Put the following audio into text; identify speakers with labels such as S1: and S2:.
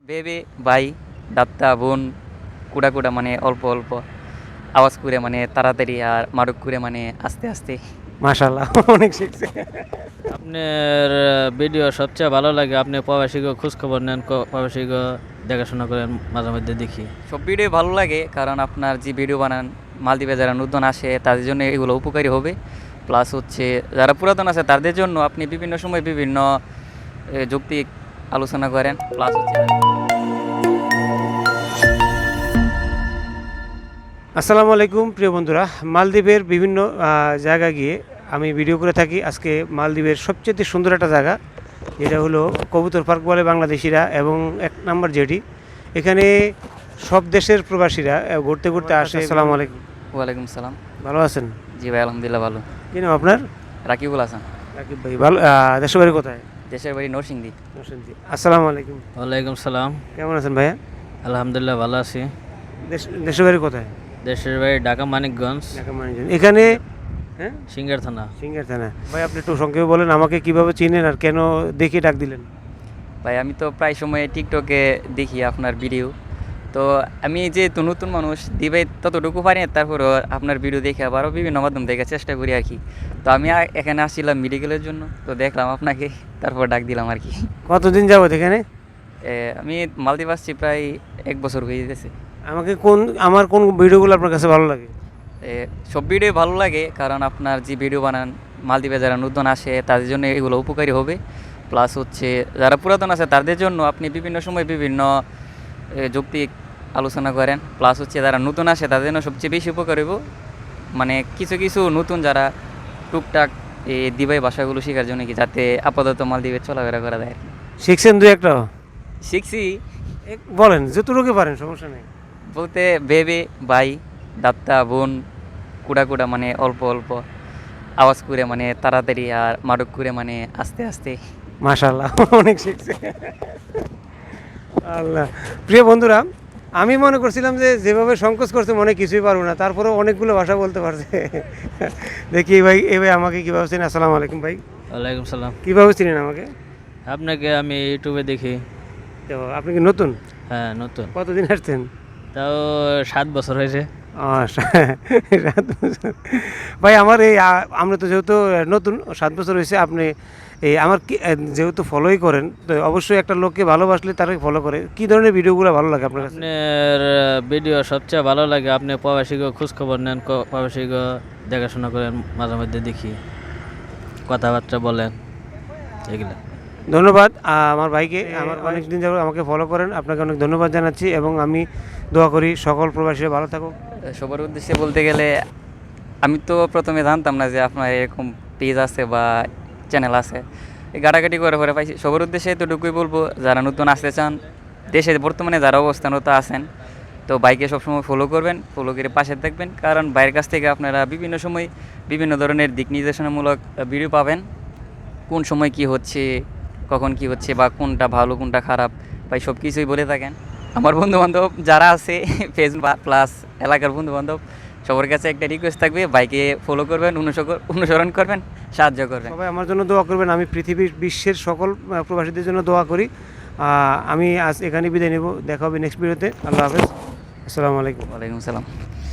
S1: বেবে ভাই দাত্তা বোন কুড়া কুড়া মানে অল্প অল্প আওয়াজ করে মানে তাড়াতাড়ি আর মারুক করে মানে আস্তে আস্তে।
S2: মাশাআল্লাহ অনেক শিখছে।
S3: আপনার ভিডিও সবচেয়ে ভালো লাগে, আপনি প্রবাসীকে খোঁজ খবর নেন, প্রবাসীকে দেখাশোনা করেন, মাঝে মধ্যে দেখি।
S1: সব ভিডিও ভালো লাগে কারণ আপনার যে ভিডিও বানান মালদ্বীপে যারা নতুন আসে তাদের জন্য এগুলো উপকারী হবে। প্লাস হচ্ছে যারা পুরাতন আছে তাদের জন্য আপনি বিভিন্ন সময় বিভিন্ন যৌক্তিক আলোচনা করেন। প্লাস হচ্ছে
S2: আসসালামু আলাইকুম প্রিয় বন্ধুরা, মালদ্বীপের বিভিন্ন জায়গায় গিয়ে আমি ভিডিও করে থাকি। আজকে মালদ্বীপের সবচেয়ে সুন্দর একটা জায়গা, যেটা হলো কবুতর পার্ক বলে বাংলাদেশিরা, এবং এক নম্বর যেটি এখানে সব দেশের প্রবাসীরা ঘুরতে ঘুরতে আসে। আসসালামু আলাইকুম।
S1: ওয়ালাইকুম সালাম।
S2: ভালো আছেন?
S1: জি ভাই আলহামদুলিল্লাহ ভালো।
S2: কি নাম আপনার?
S1: রাকিবুল হাসান।
S2: রাকিব ভাই। ভালো। দেশের বাড়ি কোথায়?
S1: দেশের বাড়ি নরসিংদী।
S2: নরসিংদী। আসসালামু আলাইকুম।
S3: ওয়ালাইকুম সালাম।
S2: কেমন আছেন ভাইয়া?
S3: আলহামদুলিল্লাহ ভালো আছি।
S2: দেশের বাড়ি কোথায়?
S3: দেশের বাড়ি ঢাকা মানিকগঞ্জ,
S2: ঢাকা মানিকগঞ্জ। এখানে হ্যাঁ
S3: সিঙ্গার থানা।
S2: সিঙ্গার থানা। ভাই আপনি একটু সংক্ষেপে বলেন আমাকে কিভাবে চিনেন আর কেন দেখে ডাক দিলেন?
S1: ভাই আমি তো প্রায় সময় টিকটকে দেখি আপনার ভিডিও। তো আমি যেহেতু নতুন মানুষ দিবে ততটুকু পারি না, তারপরও আপনার ভিডিও দেখে আবারও বিভিন্ন মাধ্যম দেখার চেষ্টা করি আর কি। তো আমি এখানে আসছিলাম মেডিকেলের জন্য, তো দেখলাম আপনাকে, তারপর ডাক দিলাম আর কি।
S2: কতদিন যাবত এখানে?
S1: আমি মালদ্বীপ আসছি প্রায় 1 বছর হয়ে যেতেছে।
S2: আমাকে আমার কোন ভিডিওগুলো আপনার কাছে ভালো লাগে?
S1: সব ভিডিও ভালো লাগে কারণ আপনার যে ভিডিও বানান মালদ্বীপে যারা নতুন আসে তাদের জন্য এগুলো উপকারী হবে। প্লাস হচ্ছে যারা পুরাতন আছে তাদের জন্য আপনি বিভিন্ন সময় বিভিন্ন যৌক্তিক আলোচনা করেন। প্লাস হচ্ছে যারা নতুন আসে তাদের জন্য সবচেয়ে বেশি উপকার হইব, মানে কিছু কিছু নতুন যারা টুকটাক এই দিবাই ভাষাগুলো শেখার জন্য কি, যাতে আপাতত মালদ্বীপে চলাফেরা করা যায় আর কি।
S2: শিখছেন দু একটা?
S1: শিখছি
S2: বলেন যতটুকু পারেন, সমস্যা নেই।
S1: বলতে বেবে ভাই দাত্তা বোন কুড়া কুড়া মানে অল্প অল্প আওয়াজ করে মানে তাড়াতাড়ি আর মারুক করে মানে আস্তে আস্তে।
S2: মাশাআল্লাহ অনেক শিখছে। আল্লাহ। প্রিয় বন্ধুরা, আমি মনে করছিলাম যে যেভাবে সংকোচ করছে মনে কিছুই পারবো না, তারপরেও অনেকগুলো ভাষা বলতে পারছে। দেখি ভাই এ ভাই আমাকে কীভাবে চিনেন? আসসালামু আলাইকুম ভাই।
S3: ওয়ালাইকুম সালাম।
S2: কীভাবে চিনেন আমাকে?
S3: আপনাকে আমি ইউটিউবে দেখি।
S2: তো আপনি কি নতুন?
S3: হ্যাঁ নতুন।
S2: কতদিন আসছেন?
S3: তাও 7 বছর হয়েছে।
S2: ও, 7 বছর। ভাই আমার এই আমরা তো যেহেতু নতুন, 7 বছর হয়েছে। আপনি এই আমার কি যেহেতু ফলোই করেন, তো অবশ্যই একটা লোককে ভালোবাসলে তাকে ফলো করে। কি ধরনের ভিডিওগুলো ভালো লাগে আপনার কাছে?
S3: আপনার ভিডিও সবচেয়ে ভালো লাগে, আপনি প্রবাসীকে খোঁজ খবর নেন, প্রবাসীকে দেখাশোনা করেন, মাঝে মধ্যে দেখি, কথাবার্তা বলেন, এগুলো।
S2: ধন্যবাদ আমার ভাইকে। আমার অনেক দিন যাবত আমাকে ফলো করেন, আপনাকে অনেক ধন্যবাদ জানাচ্ছি, এবং আমি দোয়া করি সকল প্রবাসীরা ভালো থাকুক।
S1: সবার উদ্দেশ্যে বলতে গেলে আমি তো প্রথমে জানতাম না যে আপনার এরকম পেজ আছে বা চ্যানেল আছে, এই ঘাটাঘাটি করে পরে পাইছি। সবার উদ্দেশ্যে এতটুকুই বলবো, যারা নতুন আসতে চান, দেশে বর্তমানে যারা অবস্থানরত আছেন, তো বাইকে সবসময় ফলো করবেন, ফলো করে পাশে থাকবেন, কারণ বাইরের কাছ থেকে আপনারা বিভিন্ন সময় বিভিন্ন ধরনের দিক নির্দেশনামূলক ভিডিও পাবেন। কোন সময় কি হচ্ছে, কখন কি হচ্ছে, বা কোনটা ভালো কোনটা খারাপ, ভাই সব কিছুই বলে থাকেন। আমার বন্ধুবান্ধব যারা আছে ফেসবুক প্লাস এলাকার বন্ধুবান্ধব, সবার কাছে একটা রিকোয়েস্ট থাকবে, বাইকে ফলো করবেন, অনুসরণ করবেন, সাহায্য করবেন।
S2: সবাই আমার জন্য দোয়া করবেন। আমি পৃথিবীর বিশ্বের সকল প্রবাসীদের জন্য দোয়া করি। আমি আজ এখানে বিদায় নেব। দেখা হবে নেক্সট ভিডিওতে। আল্লাহ হাফেজ। আসসালামু আলাইকুম।
S1: ওয়ালাইকুম সালাম।